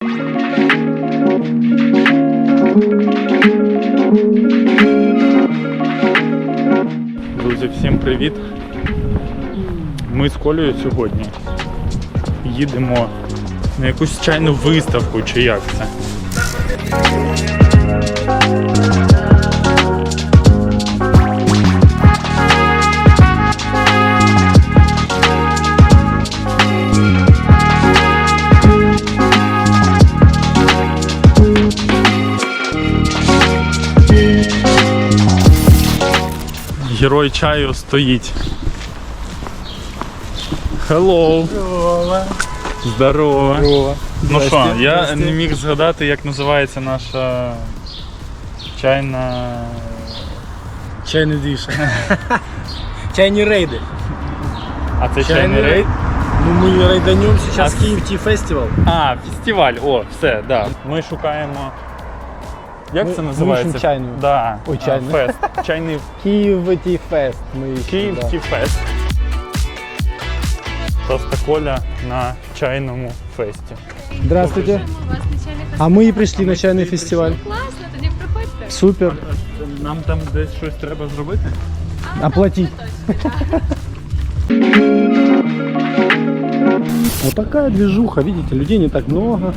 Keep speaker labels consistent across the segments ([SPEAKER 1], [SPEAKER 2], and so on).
[SPEAKER 1] Друзі, всім привіт! Ми з Колею сьогодні їдемо на якусь чайну виставку, чи як це? Герой чаю стоїть. Hello! Здорово! Здорово! Ну що, я не міг згадати, як називається наша чайна...
[SPEAKER 2] Чайный движ. Чайные рейды.
[SPEAKER 1] А це чайний рейд?
[SPEAKER 2] Ну мы рейданем сейчас Киев Tea Festival.
[SPEAKER 1] А, фестиваль, о, все, да. Ми шукаємо... Як це називається?
[SPEAKER 2] Мы чайную.
[SPEAKER 1] Да.
[SPEAKER 2] Ой, чайний.
[SPEAKER 1] Фест. Чайний...
[SPEAKER 2] Киев Tea Fest.
[SPEAKER 1] Київ Tea Fest. Просто Коля на чайному фесті.
[SPEAKER 2] Здравствуйте. А мы и пришли на чайный фестиваль.
[SPEAKER 3] Класно, тоді приходьте.
[SPEAKER 2] Супер.
[SPEAKER 1] Нам там десь щось треба зробити?
[SPEAKER 2] Оплатить. Вот такая движуха, видите, людей не так много.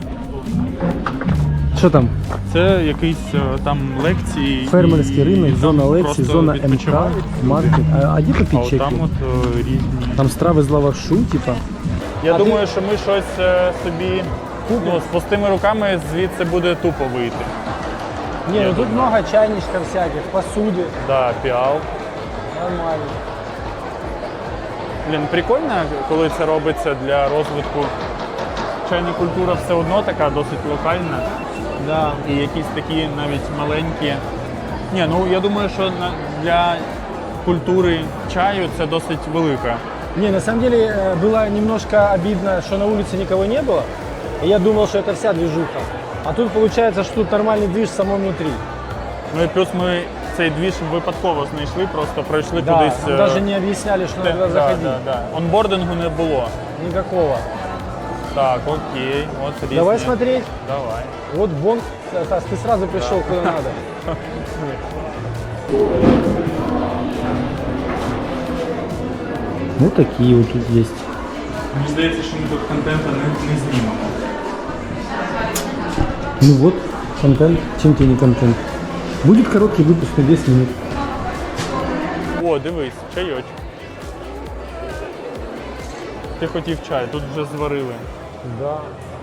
[SPEAKER 2] Что там?
[SPEAKER 1] Це якісь там лекції.
[SPEAKER 2] Фермерский рынок, зона лекций, зона МК,
[SPEAKER 1] відпочивають.
[SPEAKER 2] маркет. А где
[SPEAKER 1] А
[SPEAKER 2] попить
[SPEAKER 1] от
[SPEAKER 2] чеки?
[SPEAKER 1] там от різні.
[SPEAKER 2] Там страви з лавашу, типа.
[SPEAKER 1] Я думаю, що ми щось собі з пустими руками звідси буде тупо вийти.
[SPEAKER 2] Не, ну тут много чайничков всяких, посуды.
[SPEAKER 1] Да, піал.
[SPEAKER 2] Нормально.
[SPEAKER 1] Блін, прикольно, коли це робиться для розвитку. Чайна культура все одно така досить локальна.
[SPEAKER 2] Да.
[SPEAKER 1] І якісь такі навіть маленькі. Ні, ну я думаю, що для культури чаю це досить велика.
[SPEAKER 2] Не, на самом деле было немножко обидно, что на улице никого не было. И я думал, что это вся движуха. А тут получается, что тут нормальный движ само внутри.
[SPEAKER 1] Ну і плюс ми цей двіж випадково знайшли, просто пройшли
[SPEAKER 2] Да,
[SPEAKER 1] кудись.
[SPEAKER 2] нам даже не объясняли, что надо заходить.
[SPEAKER 1] Да. Онбордингу не було.
[SPEAKER 2] Никакого.
[SPEAKER 1] Так, окей. От різні.
[SPEAKER 2] Давай смотреть.
[SPEAKER 1] Давай.
[SPEAKER 2] Вот вон, Стас, ты сразу пришел куда надо. Вот такие вот тут есть.
[SPEAKER 1] Мені здається, що ми тут контенту не знімемо.
[SPEAKER 2] Ну вот, контент. Чем тебе не контент? Будет короткий выпуск на 10 минут.
[SPEAKER 1] О, дивись, чайочок. Ти хотів чай, тут вже зварили.
[SPEAKER 2] Да.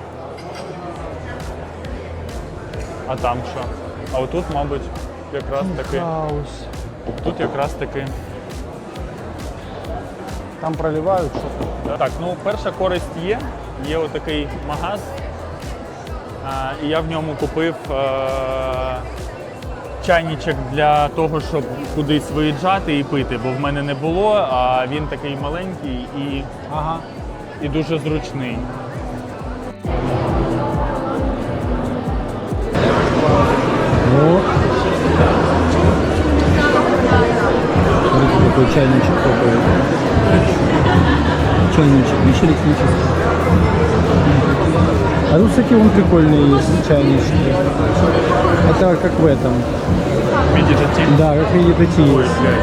[SPEAKER 1] А там що? А отут, мабуть, якраз таки.
[SPEAKER 2] Хаос.
[SPEAKER 1] Тут якраз таки.
[SPEAKER 2] Там проливают что-то.
[SPEAKER 1] Так, ну перша користь є. Є отакий магаз. І я в ньому купив чайничок для того, щоб кудись виїжджати і пити, бо в мене не було, а він такий маленький
[SPEAKER 2] Ага.
[SPEAKER 1] і дуже зручний.
[SPEAKER 2] Вот. Смотрите, какой чайничек такой. Чайничек, еще электрический. А тут, кстати, вон прикольные есть чайнички. Это как в этом.
[SPEAKER 1] Медитативний.
[SPEAKER 2] Да, как медитатив.
[SPEAKER 1] Ой, блядь.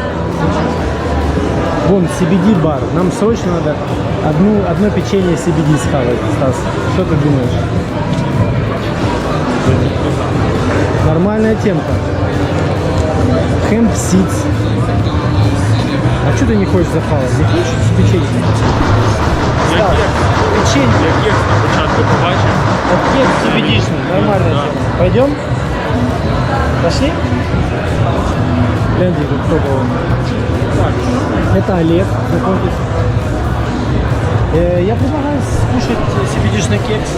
[SPEAKER 2] Вон, CBD-бар. Нам срочно надо одно печенье CBD схавать, Стас. Что ты думаешь? Нормальная темка. Hemp seeds. А что ты не хочешь захавать? Не хочешь печенье?
[SPEAKER 1] Як
[SPEAKER 2] Печенье.
[SPEAKER 1] кекс на початку побачив.
[SPEAKER 2] Кекс CBD-шный. Нормальная
[SPEAKER 1] Да.
[SPEAKER 2] тема. Пойдем? Пошли? Гляньте, тут кто был. Это Олег. Знакомьтесь. Я предлагаю скушать CBD-шный кекс.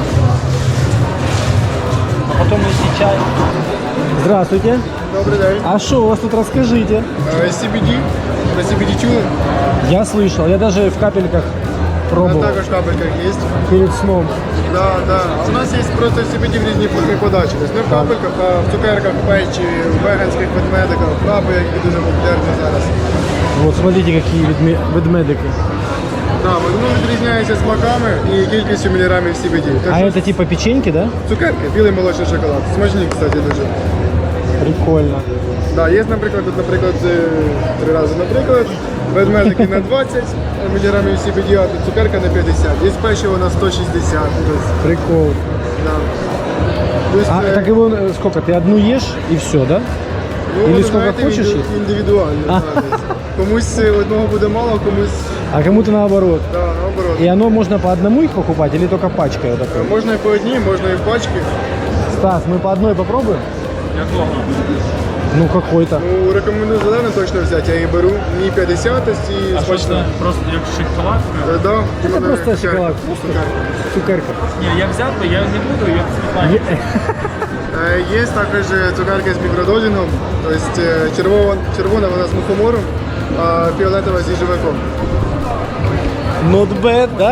[SPEAKER 2] А потом нести чай. Здравствуйте.
[SPEAKER 4] Добрий день.
[SPEAKER 2] А что у вас тут, расскажите?
[SPEAKER 4] CBD. Про CBD чули?
[SPEAKER 2] Я слышал, я даже в капельках пробовал
[SPEAKER 4] Також в капельках є.
[SPEAKER 2] перед сном.
[SPEAKER 4] Да, да. А у нас є просто CBD в різній формі подачі. Тобто не в капельках, а в цукерках, в печі, в веганських ведмедиках, в крабу, які дуже популярні зараз.
[SPEAKER 2] Вот, смотрите, какие ведмедики.
[SPEAKER 4] Да, воно відрізняється смаками і кількістю міліграмів CBD. Так
[SPEAKER 2] А
[SPEAKER 4] що
[SPEAKER 2] это типа печеньки, да?
[SPEAKER 4] цукерки, білий молочний шоколад. Смачні, кстати, дуже.
[SPEAKER 2] Прикольно.
[SPEAKER 4] Да, є, наприклад, три рази, наприклад, ведмедики на 20 міліграмів CBD, а цукерка на 50. Є печиво на 160. Тобто,
[SPEAKER 2] Прикол.
[SPEAKER 4] да. Тобто,
[SPEAKER 2] А так его сколько? Ты одну ешь и все, да?
[SPEAKER 4] ну,
[SPEAKER 2] или
[SPEAKER 4] ви
[SPEAKER 2] скільки
[SPEAKER 4] знаєте,
[SPEAKER 2] хочеш їх?
[SPEAKER 4] індивідуально. да, десь. Комусь одного буде мало, комусь
[SPEAKER 2] А кому-то наоборот.
[SPEAKER 4] да, наоборот.
[SPEAKER 2] И оно можно по одному их покупать или только пачкой? Вот такой?
[SPEAKER 4] Можна і по одній, можна і в пачки.
[SPEAKER 2] Стас, мы по одной попробуем?
[SPEAKER 1] Якого?
[SPEAKER 2] Ну какой-то.
[SPEAKER 4] Ну, рекомендую зелену точно взяти, я її беру. Мені 50 і
[SPEAKER 1] А що
[SPEAKER 4] смачно.
[SPEAKER 1] це? Просто як шоколадка?
[SPEAKER 4] Да,
[SPEAKER 2] Это
[SPEAKER 4] іменно
[SPEAKER 2] просто
[SPEAKER 4] цукерка.
[SPEAKER 2] шоколад. Просто
[SPEAKER 4] Цукерка.
[SPEAKER 2] цукерка.
[SPEAKER 1] Ні, я взяв би, я не буду, я не знаю.
[SPEAKER 4] Є також цукерки з мікродозингом, тобто червона вона з мухомором, а фіолетова з їжевиком.
[SPEAKER 2] Not bad, да?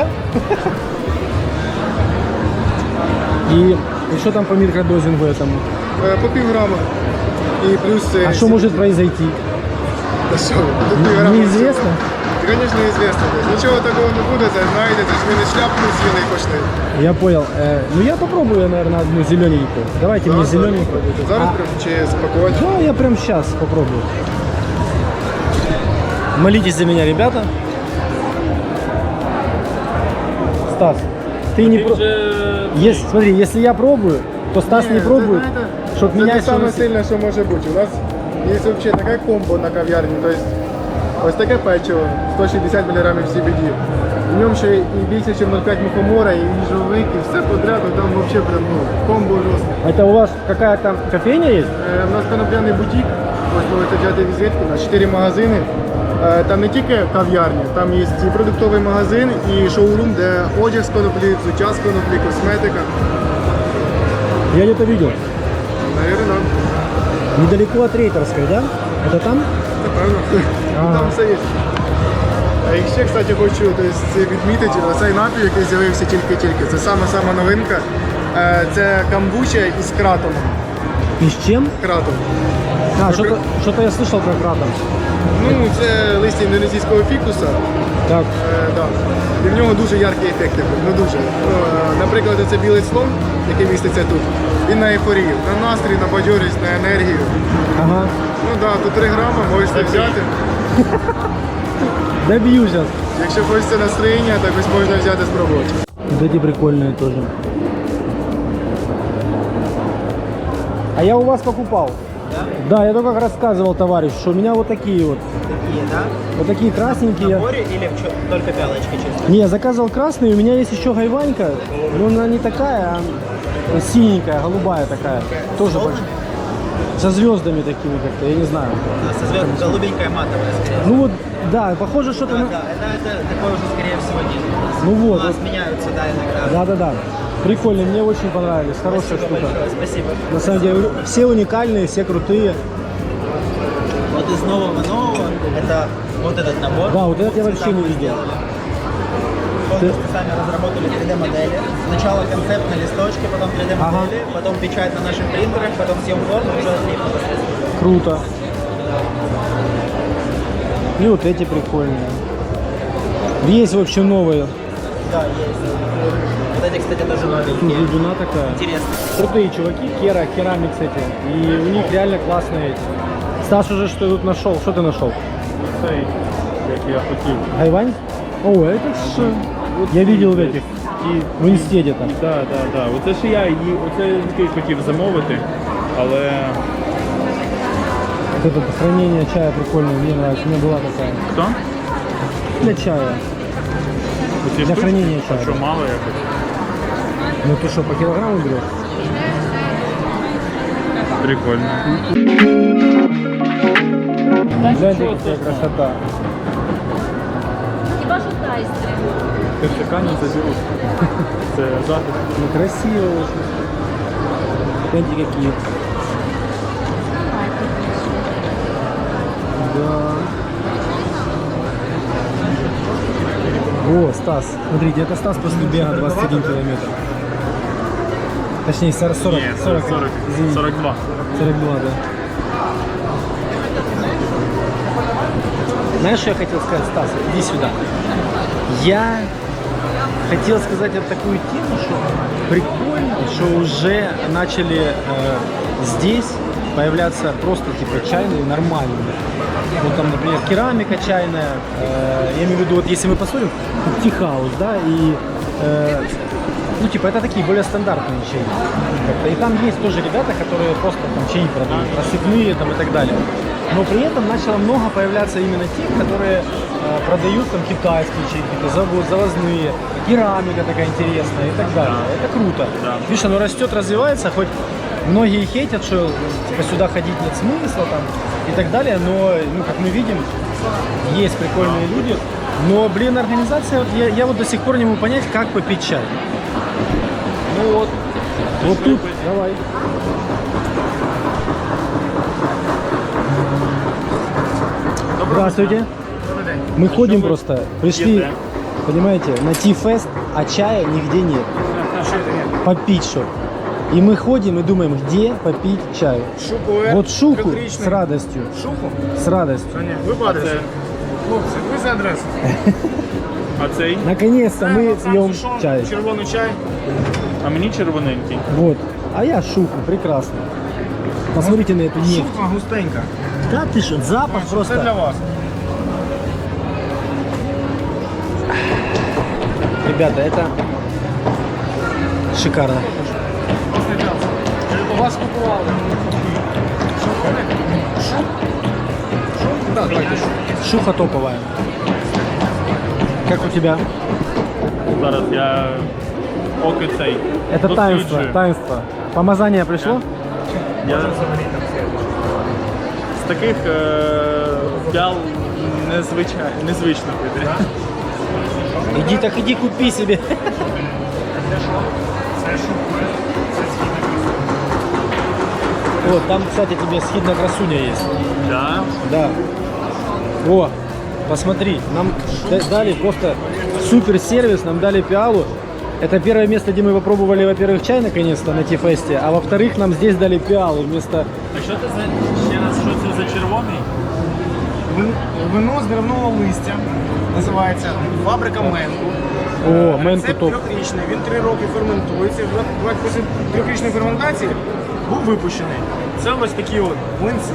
[SPEAKER 2] И что там по микродозингу этому?
[SPEAKER 4] По півграма. І плюс...
[SPEAKER 2] А что может произойти?
[SPEAKER 4] Та що? Тут півграма
[SPEAKER 2] Неизвестно.
[SPEAKER 4] всього. Звісно, неізвісно. Нічого такого не буде, це знаєте, це ж ви не шляпну з'їли і пошли.
[SPEAKER 2] Я понял. Ну я попробую, наверное, одну зелененькую. Давайте мне зелененькую.
[SPEAKER 4] Зараз прям чи спакувати?
[SPEAKER 2] Да, я прям сейчас попробую. Молитесь за меня, ребята. Стас, ты не смотри, если я пробую, то Стас не пробует, чтобы
[SPEAKER 4] Це
[SPEAKER 2] меня
[SPEAKER 4] те саме
[SPEAKER 2] всё-
[SPEAKER 4] сильне, що може бути. У нас є взагалі таке комбо на кав'ярні, тобто ось таке печиво, 160 мг CBD. В ньому ще і більше, ніж 0,5 мухомора, і їжовик, і все подряд, там взагалі прям комбо жорстке.
[SPEAKER 2] Это у вас какая-то кофейня есть?
[SPEAKER 4] У нас конопляний бутік, ось можете взяти візитку, у нас 4 магазини. Там не тільки кав'ярня, там є і продуктовий магазин, і шоурум, де одяг з коноплі, взуття з коноплі, косметика.
[SPEAKER 2] Я где-то видел.
[SPEAKER 4] Навірно,
[SPEAKER 2] Недалеко от Рейтерской, да? Это там?
[SPEAKER 4] напевно.
[SPEAKER 2] Ага.
[SPEAKER 4] Там все є. І ще, кстати, хочу відмітити, оцей напій, який з'явився тільки-тільки, це сама новинка. Це камбуча із кратоном.
[SPEAKER 2] И с чем?
[SPEAKER 4] Кратом.
[SPEAKER 2] А, что-то я слышал про кратом.
[SPEAKER 4] Ну, це листя індонезійського фікуса.
[SPEAKER 2] Так.
[SPEAKER 4] Да. І в нього дуже яркий ефект. Ну дуже. Наприклад, це білий слон, який міститься тут. Він на ейфорію, на настрій, на бадьорість, на енергію.
[SPEAKER 2] Ага.
[SPEAKER 4] Ну так, да, тут 3 грама, можете взяти.
[SPEAKER 2] Добью сейчас.
[SPEAKER 4] Якщо хочеться настроєння, так ось можна взяти спробувати.
[SPEAKER 2] Вот эти прикольные тоже. А я у вас покупал. Да, я только как рассказывал товарищ, что у меня вот такие вот.
[SPEAKER 3] Такие, да?
[SPEAKER 2] Вот такие красненькие.
[SPEAKER 3] В наборе или только пялочка чисто?
[SPEAKER 2] Не, я заказывал красные, у меня есть еще гайванька, но она не такая, а синенькая, голубая такая. Тоже большая. Со звездами такими как-то, я не знаю.
[SPEAKER 3] Со звездом голубенькая матовая, скорее всего.
[SPEAKER 2] Ну вот, да, похоже что-то
[SPEAKER 3] Да,
[SPEAKER 2] на...
[SPEAKER 3] да, это такое уже, скорее всего, нет.
[SPEAKER 2] Ну вот,
[SPEAKER 3] У нас
[SPEAKER 2] вот.
[SPEAKER 3] меняются, да, иногда.
[SPEAKER 2] Да-да-да. Прикольно, мне очень понравились, хорошая
[SPEAKER 3] Спасибо
[SPEAKER 2] штука.
[SPEAKER 3] большое, спасибо.
[SPEAKER 2] На самом деле, все уникальные, все крутые.
[SPEAKER 3] Вот из нового это вот этот набор.
[SPEAKER 2] Да, вот этот я
[SPEAKER 3] Цвета
[SPEAKER 2] вообще не
[SPEAKER 3] мы
[SPEAKER 2] видел.
[SPEAKER 3] сделали. Полностью сами разработали 3D-модели. Сначала концепт на листочке, потом 3D-модели, потом печать на наших принтерах, потом съем форму, уже отлипло.
[SPEAKER 2] Круто. И вот эти прикольные. Есть, в общем, новые.
[SPEAKER 3] Да, есть. Вот эти, кстати, тоже
[SPEAKER 2] Тут
[SPEAKER 3] новенькие.
[SPEAKER 2] глубина такая.
[SPEAKER 3] Интересно.
[SPEAKER 2] Крутые чуваки, Керамикс эти. И у них реально классные эти. Стас уже что тут нашел? Что ты нашел?
[SPEAKER 1] Цей, як я хотів.
[SPEAKER 2] Гайвань? О, это ж... Я видел в этих.
[SPEAKER 1] І
[SPEAKER 2] В инсте где-то.
[SPEAKER 1] да. Оце ж я такий хотів замовити, але
[SPEAKER 2] Вот это хранение чая прикольное, мне нравится. У меня была такая.
[SPEAKER 1] хто?
[SPEAKER 2] Для чая.
[SPEAKER 1] Оці
[SPEAKER 2] Для
[SPEAKER 1] штучки?
[SPEAKER 2] хранення чаю.
[SPEAKER 1] А що, мало якось?
[SPEAKER 2] Ну ты что, по килограмму берешь?
[SPEAKER 1] Прикольно.
[SPEAKER 2] Гляньте, какая красота.
[SPEAKER 5] Хіба що тайстри?
[SPEAKER 1] Кирчака не заберуть. Це захист.
[SPEAKER 2] Ну красиво очень. Гляньте, какие. Да. О, Стас. Смотрите, это Стас после бега 21 километр. Точнее, 40.
[SPEAKER 1] Ні, це 40,
[SPEAKER 2] Извини.
[SPEAKER 1] 42.
[SPEAKER 2] 42, да. Знаешь, что я хотел сказать, Стас? Иди сюда. Я хотел сказать вот такую тему, что прикольно, что уже начали здесь появляться просто типа чайные нормальные. Вот там, например, керамика чайная. Я имею в виду, вот если мы посмотрим, Тихаус, да, и ну типа это такие более стандартные чаи. И там есть тоже ребята, которые просто там чаи продают, рассыпные там и так далее. Но при этом начало много появляться именно тех, которые продают там китайские чаи, какие-то завозные, керамика такая интересная и так далее. Это круто. Видишь, оно растет, развивается, хоть многие хейтят, что типа, сюда ходить нет смысла там и так далее, но, ну, как мы видим, есть прикольные люди. Но, блин, организация, вот, я вот до сих пор не могу понять, как попить чай. Ну вот, вот тут, давай. Здравствуйте. Мы ходим просто, пришли, понимаете, на Ти-фест, а чая нигде нет. Попить что. И мы ходим и думаем, где попить чаю. Вот шуху с радостью.
[SPEAKER 4] Шуху?
[SPEAKER 2] С радостью.
[SPEAKER 4] Ви падаєте. Хлопці, ви за адресу.
[SPEAKER 1] А цей?
[SPEAKER 2] Наконец-то мы пьем чай.
[SPEAKER 4] Червоний чай.
[SPEAKER 1] А мені червоненький.
[SPEAKER 2] Вот. А я шуху, прекрасно. Посмотрите на эту нефть.
[SPEAKER 4] Шуха густенька.
[SPEAKER 2] Да ты что, запах
[SPEAKER 4] Це для
[SPEAKER 2] просто.
[SPEAKER 4] вас.
[SPEAKER 2] Ребята, это шикарно.
[SPEAKER 4] Вас купували. Да, давайте.
[SPEAKER 2] Шуха топовая. Как у тебя?
[SPEAKER 1] Зараз я поки цей.
[SPEAKER 2] Это таинство,
[SPEAKER 1] досліджую.
[SPEAKER 2] таинство. Помазание пришло?
[SPEAKER 1] Я з таких п'ял незвично пити.
[SPEAKER 2] Иди так иди купи себе. Вот, там, кстати, тебе схидная красуня есть.
[SPEAKER 1] Да?
[SPEAKER 2] Да. О, посмотри, нам дали просто супер сервис, нам дали пиалу. Это первое место, где мы попробовали, во-первых, чай наконец-то на Ти-фесте, а во-вторых, нам здесь дали пиалу вместо...
[SPEAKER 1] А що це за ще раз, що це за червоний?
[SPEAKER 4] Вино з деревного листя. Називається фабрика Менку.
[SPEAKER 2] О, Менку
[SPEAKER 4] Рецепт
[SPEAKER 2] топ.
[SPEAKER 4] трьохрічний, він 3 роки ферментується. Після трьохрічної ферментації був випущений. Це ось такі от млинці.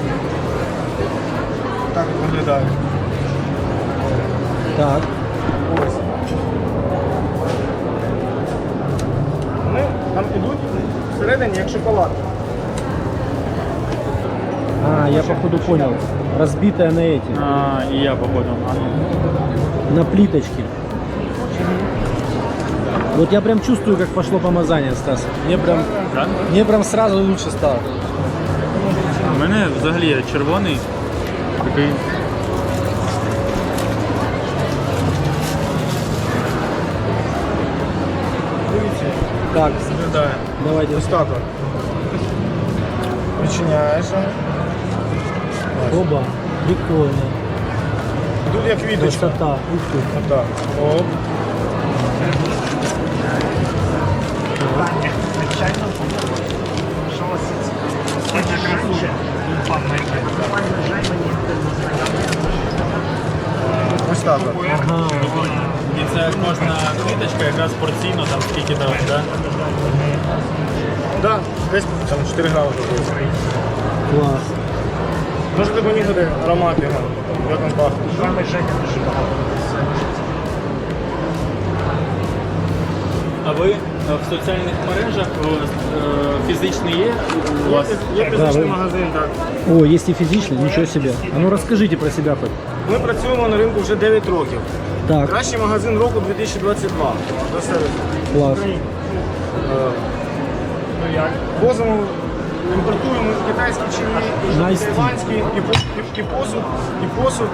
[SPEAKER 4] Так от виглядає.
[SPEAKER 2] Так.
[SPEAKER 4] Ось. Вони там ідуть всередині як шоколад.
[SPEAKER 2] А, я походу понял. Разбитая на эти,
[SPEAKER 1] А, і я походу. А, ну.
[SPEAKER 2] на плиточке. Вот я прям чувствую, как пошло помазание, Стас.
[SPEAKER 1] Да?
[SPEAKER 2] Мне прям сразу лучше стало.
[SPEAKER 1] У мене взагалі червоний такий.
[SPEAKER 4] Дивіться,
[SPEAKER 2] Так,
[SPEAKER 4] виглядає.
[SPEAKER 2] давайте.
[SPEAKER 4] Ось так от. Відчиняєш.
[SPEAKER 2] Оба. Прикольно.
[SPEAKER 4] Тут як квіточка.
[SPEAKER 2] Красота. Ух ты.
[SPEAKER 4] Отак. Оп. Ось так от.
[SPEAKER 2] Ага.
[SPEAKER 1] І це кожна квіточка якраз порційно, там скільки там, да?
[SPEAKER 4] Да, десь там 4 грами буде.
[SPEAKER 2] Класс.
[SPEAKER 4] Можете понюхати аромат його, як він пахне.
[SPEAKER 1] А ви в соціальних мережах фізичний є у вас?
[SPEAKER 4] Є фізичний
[SPEAKER 2] ви-
[SPEAKER 4] магазин, так.
[SPEAKER 2] О, есть и физичный, ничего себе. А ну расскажите про себя хоть.
[SPEAKER 4] Ми працюємо на ринку вже 9 років.
[SPEAKER 2] Так,
[SPEAKER 4] Кращий магазин року 2022. До сервісу.
[SPEAKER 2] класс.
[SPEAKER 4] Возимо, імпортуємо китайські чаї,
[SPEAKER 2] Nice tea.
[SPEAKER 4] тайванські, і посуд.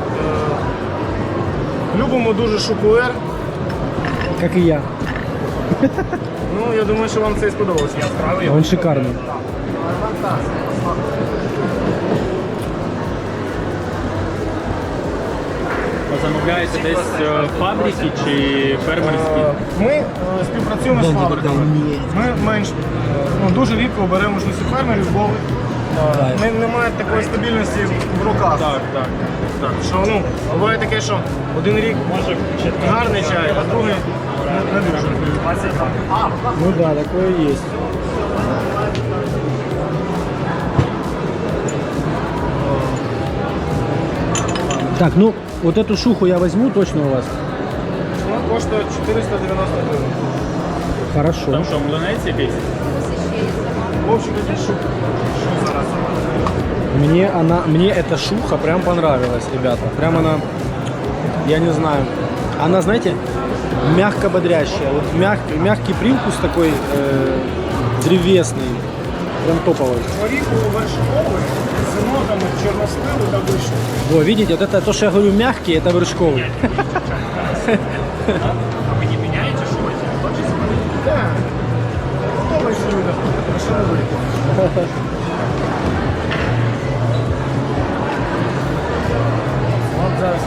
[SPEAKER 4] Любимо дуже шоколад.
[SPEAKER 2] Как и я.
[SPEAKER 4] Ну, я думаю, що вам це і сподобалося.
[SPEAKER 2] Он шикарный.
[SPEAKER 1] А замовляєте десь фабрики чи фермерські?
[SPEAKER 4] Ми співпрацюємо з фабриками. Ми дуже рідко беремо можливості фермерів, бо
[SPEAKER 5] Немає такої стабільності в руках. Так. Що, ну, буває таке, що один рік може гарний чай, а другий не дуже.
[SPEAKER 2] Ну да, такое есть. Так, ну вот эту шуху я возьму точно у вас.
[SPEAKER 5] Вона коштує 490 гривень.
[SPEAKER 2] Хорошо.
[SPEAKER 1] Там що, млинець якийсь?
[SPEAKER 5] В общем, такі що зараз.
[SPEAKER 2] Мне эта шуха прям понравилась, ребята. Прям она, я не знаю, она, знаете, мягко бодрящая. Вот мягкий привкус такой древесный, прям топовый.
[SPEAKER 5] Горіху вершковий з нотами чорносливу та вишні.
[SPEAKER 2] Во, видите, вот это то, что я говорю, мягкий, это вершковый.
[SPEAKER 1] А ви не міняєте щось?
[SPEAKER 5] Так. Подобається людям. А що робити? От зараз.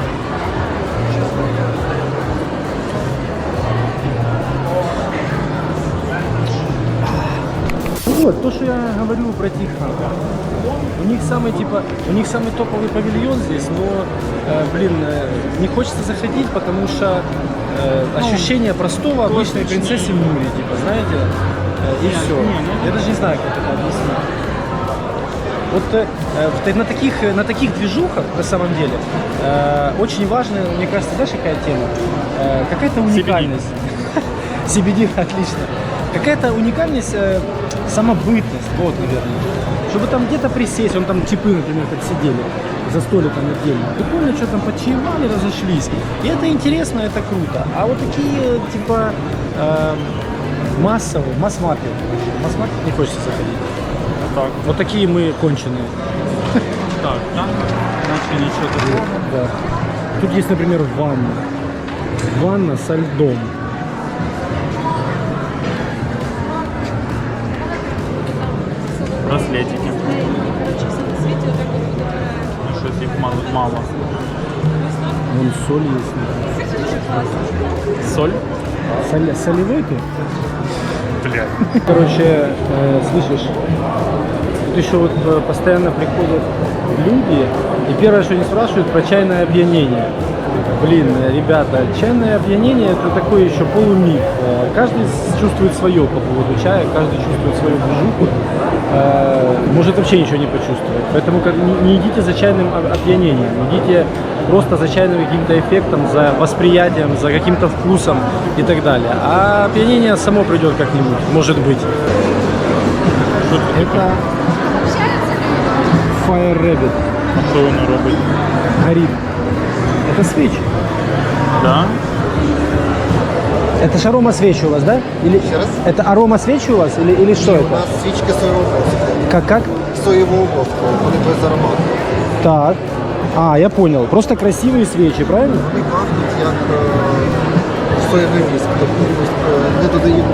[SPEAKER 2] Вот, то, что я говорю про Тихон. У них самый топовый павильон здесь, но, не хочется заходить, потому что ощущение простого обычной принцессы Нури, типа, знаете, и все. Я даже не знаю, как это объяснить. Вот на таких движухах, на самом деле, очень важно, мне кажется, знаешь, какая тема? Какая-то уникальность. CBD, отлично. Какая-то уникальность, самобытность, вот, наверное. Чтобы там где-то присесть, вон там типы, например, как сидели за столиком отдельно. Прикольно, что там почаевали, разошлись. И это интересно, это круто. А вот такие, типа, массовые, масс-маркет не хочется заходить.
[SPEAKER 1] Так.
[SPEAKER 2] Вот такие мы конченые.
[SPEAKER 1] Так, наче нічого такого.
[SPEAKER 2] Да. Тут есть, например, ванна. Ванна со льдом.
[SPEAKER 1] Браслетики. Ну, щось їх мало.
[SPEAKER 2] Вон соль есть.
[SPEAKER 1] Соль?
[SPEAKER 2] Солевой ты?
[SPEAKER 1] Блядь.
[SPEAKER 2] Короче, слышишь, тут еще вот постоянно приходят люди, и первое, что они спрашивают, про чайное опьянение. Блин, ребята, чайное опьянение это такой еще полумиф. Каждый чувствует свое по поводу чая, каждый чувствует свою движуху, может вообще ничего не почувствовать. Поэтому не идите за чайным опьянением, идите просто за чайным каким-то эффектом, за восприятием, за каким-то вкусом и так далее. А опьянение само придет как-нибудь, может быть. Это Fire Rabbit.
[SPEAKER 1] А що воно робить?
[SPEAKER 2] Горит. Это свечи.
[SPEAKER 1] Да?
[SPEAKER 2] Это ж арома свечи у вас, да? Или
[SPEAKER 6] Еще раз?
[SPEAKER 2] это арома свечи у вас или что
[SPEAKER 6] У
[SPEAKER 2] это?
[SPEAKER 6] нас свічки соєвого воску.
[SPEAKER 2] Как?
[SPEAKER 6] Соєвого воску, вони без аромату.
[SPEAKER 2] Так. А, я понял. Просто красивые свечи, правильно?
[SPEAKER 6] Вони пахнуть як соєвий віск, тобто не додаємо.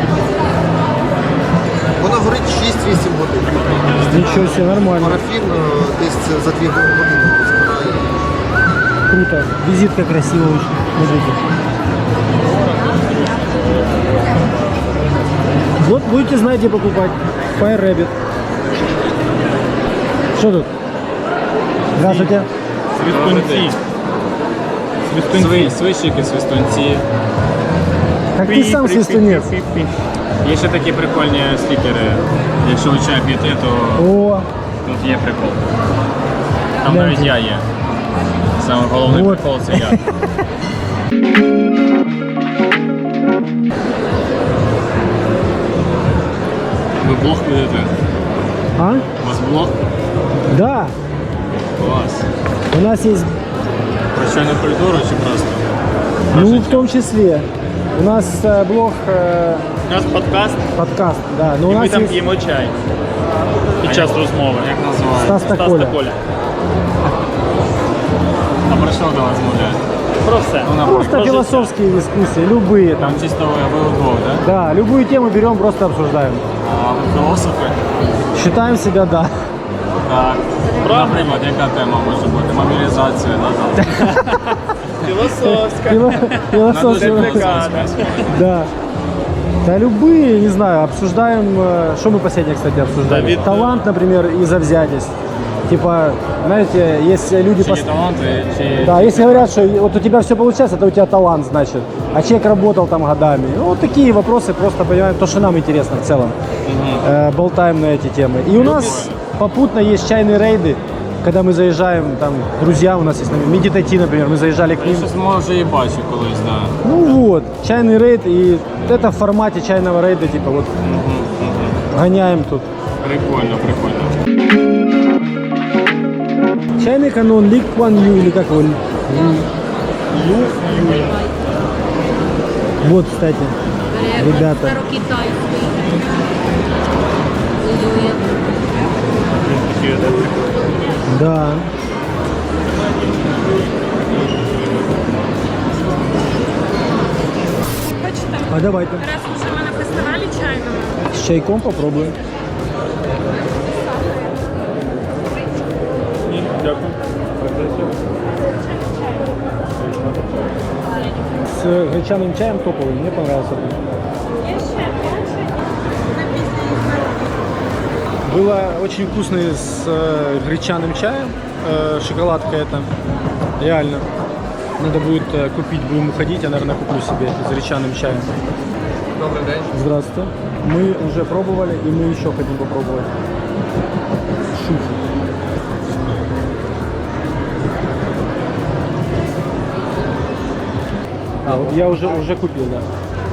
[SPEAKER 6] Вона горить 6-8 годин.
[SPEAKER 2] Ничего себе, нормально.
[SPEAKER 6] Парафін десь за 2 години збирає.
[SPEAKER 2] Круто. Визитка красивая очень. Смотрите. Вот будете знать, где покупать. Fire Rabbit. Что тут? Здравствуйте.
[SPEAKER 1] Свистунці.
[SPEAKER 7] Свищики, свистунці.
[SPEAKER 2] Как ты сам свистунец.
[SPEAKER 7] Є ще такі прикольні стікери. Якщо ви чай п'єте, то
[SPEAKER 2] О,
[SPEAKER 7] тут є прикол. Там
[SPEAKER 2] Гляньте.
[SPEAKER 7] навіть я є. Саме головний
[SPEAKER 2] Вот.
[SPEAKER 7] прикол це я. Ви блог ведете?
[SPEAKER 2] а?
[SPEAKER 7] У вас блог?
[SPEAKER 2] Да.
[SPEAKER 7] Клас.
[SPEAKER 2] У нас есть,
[SPEAKER 7] Про чайну культуру чи просто?
[SPEAKER 2] ну, в том числе, у нас блог,
[SPEAKER 1] У нас подкаст,
[SPEAKER 2] подкаст, да, но у
[SPEAKER 1] і ми
[SPEAKER 2] нас
[SPEAKER 1] там
[SPEAKER 2] есть
[SPEAKER 1] п'ємо чай. Під час розмови.
[SPEAKER 7] Як називається?
[SPEAKER 2] Стас
[SPEAKER 1] Стас
[SPEAKER 2] Тополя.
[SPEAKER 1] та Коля.
[SPEAKER 7] А про що до вас мовляють?
[SPEAKER 1] Про все.
[SPEAKER 7] Ну,
[SPEAKER 2] Просто
[SPEAKER 7] Про життя.
[SPEAKER 2] философские дискуссии, любые там.
[SPEAKER 7] Там чисто ви удвох, да?
[SPEAKER 2] Да, любую тему берем, просто обсуждаем.
[SPEAKER 7] А ви філософи?
[SPEAKER 2] Считаем себя, да.
[SPEAKER 7] Так. Наприклад, яка тема може бути? Мобілізація, да? Там.
[SPEAKER 1] Філософська.
[SPEAKER 2] Философия.
[SPEAKER 1] Реплікація.
[SPEAKER 2] Да. Да любые, не знаю, обсуждаем, что мы последнее, кстати, обсуждали.
[SPEAKER 1] Давид,
[SPEAKER 2] Талант, например, и завзятость. Типа, знаете, если люди...
[SPEAKER 7] Чи є таланти, чи...
[SPEAKER 2] Да, если говорят, что вот у тебя все получается, это у тебя талант, значит. А человек работал там годами. Ну, вот такие вопросы, просто понимаем, то, что нам интересно в целом. Болтаем на эти темы. И у нас попутно есть чайные рейды, когда мы заезжаем, там, друзья у нас есть, медитати, например, мы заезжали к
[SPEAKER 7] Я
[SPEAKER 2] ним.
[SPEAKER 7] щось, може, і бачив колись, да.
[SPEAKER 2] Ну вот, чайный рейд, и это в формате чайного рейда, типа вот гоняем тут.
[SPEAKER 7] Прикольно, прикольно.
[SPEAKER 2] Чайный канон, Ли Куан Ю, или как его? Вот, кстати, ребята.
[SPEAKER 8] Старокитайський.
[SPEAKER 2] Да.
[SPEAKER 8] Хочете?
[SPEAKER 2] А давайте.
[SPEAKER 8] Раз уже ми на фестивалі чайному.
[SPEAKER 2] С чайком попробуем.
[SPEAKER 1] Дякую.
[SPEAKER 2] С гречаным чаем топовый, мне понравился. Было очень вкусно с гречаным чаем, шоколадка это, реально. Надо будет купить, будем уходить, я, наверное, куплю себе с гречаным чаем.
[SPEAKER 7] Добрий день.
[SPEAKER 2] Здравствуйте. Мы уже пробовали, и мы еще хотим попробовать. Шуфу. А, вот я уже купил, да.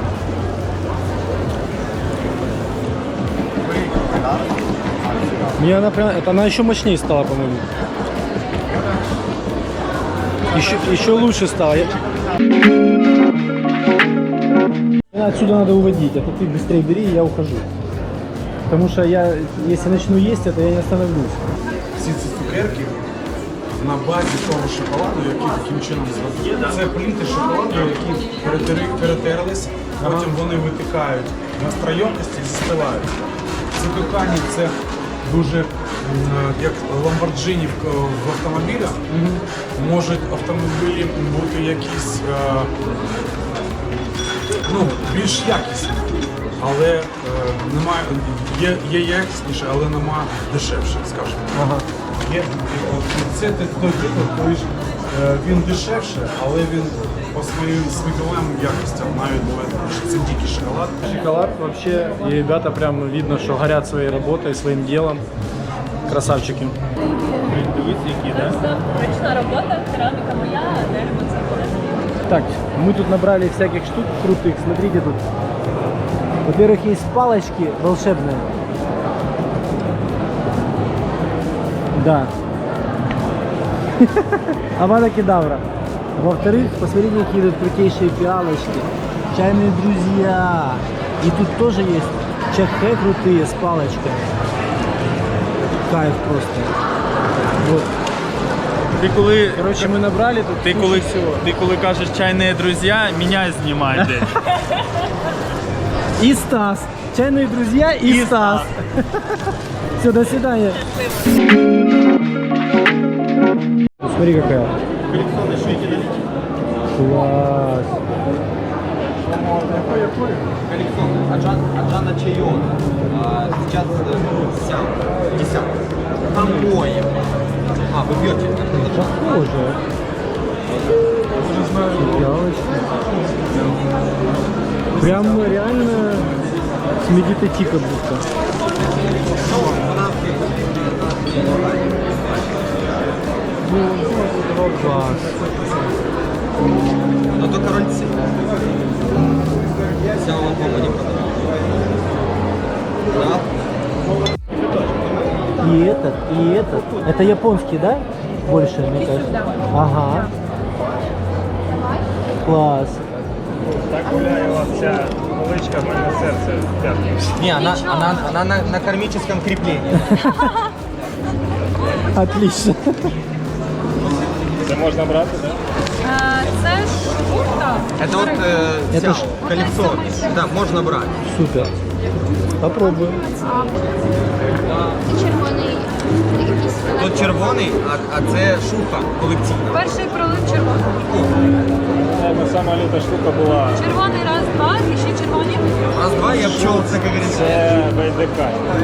[SPEAKER 2] Мне она прям, это она еще мощнее стала, по-моему. Еще лучше стало. Отсюда надо уводить, а то ты быстрее бери, и я ухожу. Потому что я, если начну есть это, я не остановлюсь.
[SPEAKER 9] Всі ці цукерки на базі того шоколаду, який таким чином зробили. Це пліти шоколаду, які перетерлись, потім вони витикають на стройомості і застилають. Затикання це дуже як ламборджині в автомобілях. Можуть автомобілі бути якісь більш якісні. Але немає, є якісніше, але немає дешевше, скажімо.
[SPEAKER 2] Ага.
[SPEAKER 9] Це той приклад, коли ж він дешевше, але він по своїм смаковим якостям навіть буває, що це дикий шоколад.
[SPEAKER 2] Шоколад вообще, и ребята прям видно, что горят своей работой, своим делом. Красавчики.
[SPEAKER 8] Ручна робота, кераміка моя, а дерево це буде.
[SPEAKER 2] Так, мы тут набрали всяких штук крутых. Смотрите тут. Во-первых, есть палочки волшебные. Да. Авада кедавра. Во-вторых, посмотрите, какие тут крутейшие пиалочки. Чайные друзья. И тут тоже есть чахе крутые с палочками. Кайф просто. Вот. Короче, мы набрали тут.
[SPEAKER 1] Ти коли кажеш чайні друзі, мене знімай десь.
[SPEAKER 2] И Стас. Чайные друзья и Стас. Все, до свидания. Смотри, какая. Класс.
[SPEAKER 3] Аджана Чайон. Сейчас сям. Там моем. А, вы пьете?
[SPEAKER 2] Похоже. Пиалочки. Прям реально с медитати как будто. Класс.
[SPEAKER 3] Но только рольцы. Взял альбома не продал. Да?
[SPEAKER 2] И этот, и этот. Это японский, да? Больше, мне кажется. Ага. Класс.
[SPEAKER 5] Так гуляє ця поличка, в мене серце тягнеться.
[SPEAKER 3] Не, она на кармическом креплении.
[SPEAKER 2] Отлично.
[SPEAKER 5] Це можна брати, так?
[SPEAKER 8] Це шута.
[SPEAKER 3] Это вот
[SPEAKER 2] Это ж-
[SPEAKER 3] колесо. Да, можно брать.
[SPEAKER 2] Супер. Попробуем.
[SPEAKER 8] Червоний якийсь
[SPEAKER 10] Тут червоний, а це шуха колекційна.
[SPEAKER 8] Перший пролив червоний.
[SPEAKER 7] Сама люта штука була.
[SPEAKER 8] Червоний раз, два, і ще червоні.
[SPEAKER 10] Раз-два я пчел, це, як говориться.
[SPEAKER 7] Це ВДК.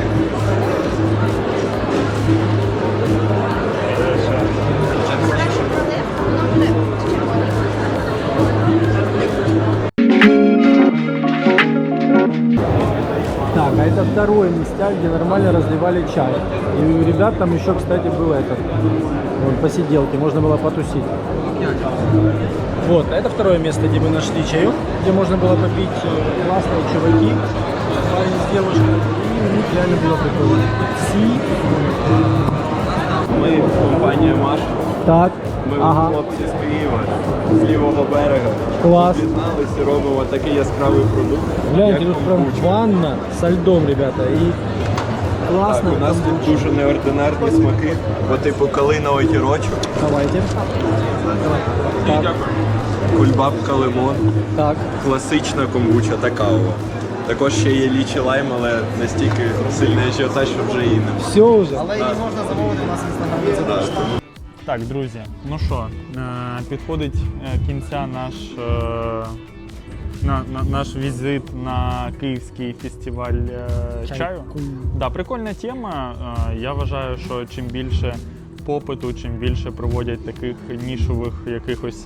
[SPEAKER 2] Так, а это второе местяк, где нормально разливали чай. И у ребят там еще, кстати, был этот, вон, посиделки, можно было потусить. Вот, а это второе место, где мы нашли чаек, где можно было попить классные чуваки, парень с девушкой, и у них реально было прикольно.
[SPEAKER 11] Ми компанія Маша.
[SPEAKER 2] Так,
[SPEAKER 11] Ми
[SPEAKER 2] ага,
[SPEAKER 11] хлопці з Києва, з лівого берега.
[SPEAKER 2] класс.
[SPEAKER 11] Об'єдналися і робимо такий яскравий продукт.
[SPEAKER 2] Гляньте,
[SPEAKER 11] як
[SPEAKER 2] тут прям
[SPEAKER 11] комбуча.
[SPEAKER 2] ванна со льдом, ребята, и классно.
[SPEAKER 11] Так, у нас тут дуже неординарні смаки, по типу калина огірочок,
[SPEAKER 2] Давайте. Так,
[SPEAKER 11] кульбабка лимон,
[SPEAKER 2] так.
[SPEAKER 11] класична комбуча та кава. Також ще є лічі лайм, але настільки сильний ажіотаж, що вже і не.
[SPEAKER 2] Все уже.
[SPEAKER 3] Але її можна замовити у нас в інстаграмі.
[SPEAKER 1] Так, друзі, ну що, підходить кінця наш візит на Київський фестиваль чаю. Да, прикольна тема. Я вважаю, що чим більше попиту, чим більше проводять таких нішових якихось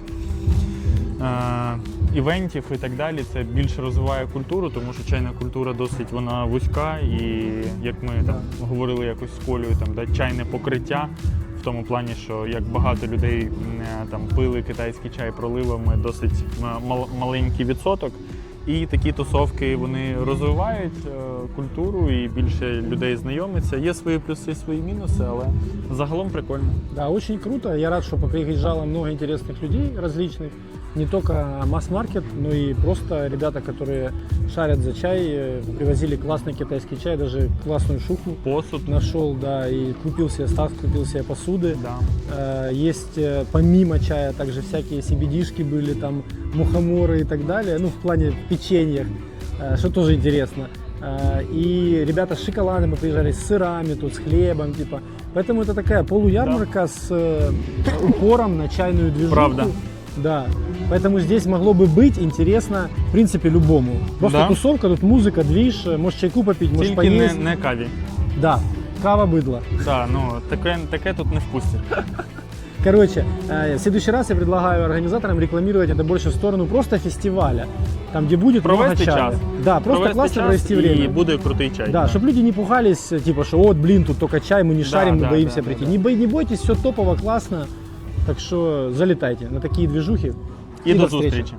[SPEAKER 1] івентів і так далі, це більше розвиває культуру, тому що чайна культура досить вона вузька, і як ми там говорили якось з Колею, там да, чайне покриття. В тому плані, що як багато людей там пили китайський чай проливами, досить маленький відсоток. І такі тусовки вони розвивають культуру і більше людей знайомиться. Є свої плюси, свої мінуси, але загалом прикольно.
[SPEAKER 2] Да, очень круто. Я рад, что приезжало много интересных людей различных. Не только масс-маркет, но и просто ребята, которые шарят за чай, привозили классный китайский чай, даже классную шуху.
[SPEAKER 1] Посуд.
[SPEAKER 2] Нашел, да, и купил себе став, купил себе посуды.
[SPEAKER 1] Да.
[SPEAKER 2] Есть помимо чая также всякие CBD-шки были, там мухоморы и так далее, ну в плане печеньях, что тоже интересно. И ребята с шоколадом приезжали, с сырами, тут с хлебом, типа. Поэтому это такая полуярмарка с упором на чайную движуху.
[SPEAKER 1] Правда.
[SPEAKER 2] Да. Поэтому здесь могло бы быть интересно, в принципе, любому. Просто
[SPEAKER 1] Да.
[SPEAKER 2] тусовка, тут музыка, движ, можешь чайку попить, можешь
[SPEAKER 1] Тільки
[SPEAKER 2] поесть.
[SPEAKER 1] не каві.
[SPEAKER 2] Да, кава быдло.
[SPEAKER 1] Да, ну таке тут не впустять.
[SPEAKER 2] Короче, в следующий раз я предлагаю организаторам рекламировать это больше в сторону просто фестиваля, там, где будет
[SPEAKER 1] Провести
[SPEAKER 2] много чая.
[SPEAKER 1] час.
[SPEAKER 2] Да, просто классно провести
[SPEAKER 1] і
[SPEAKER 2] время.
[SPEAKER 1] буде крутий чай.
[SPEAKER 2] Да, чтобы люди не пугались, типа, что вот, блин, тут только чай, мы не шарим, мы
[SPEAKER 1] да,
[SPEAKER 2] боимся
[SPEAKER 1] да,
[SPEAKER 2] прийти.
[SPEAKER 1] да.
[SPEAKER 2] Не бойтесь, все топово, классно. Так что залетайте на такие движухи.
[SPEAKER 1] І до
[SPEAKER 2] встречи.
[SPEAKER 1] зустрічі.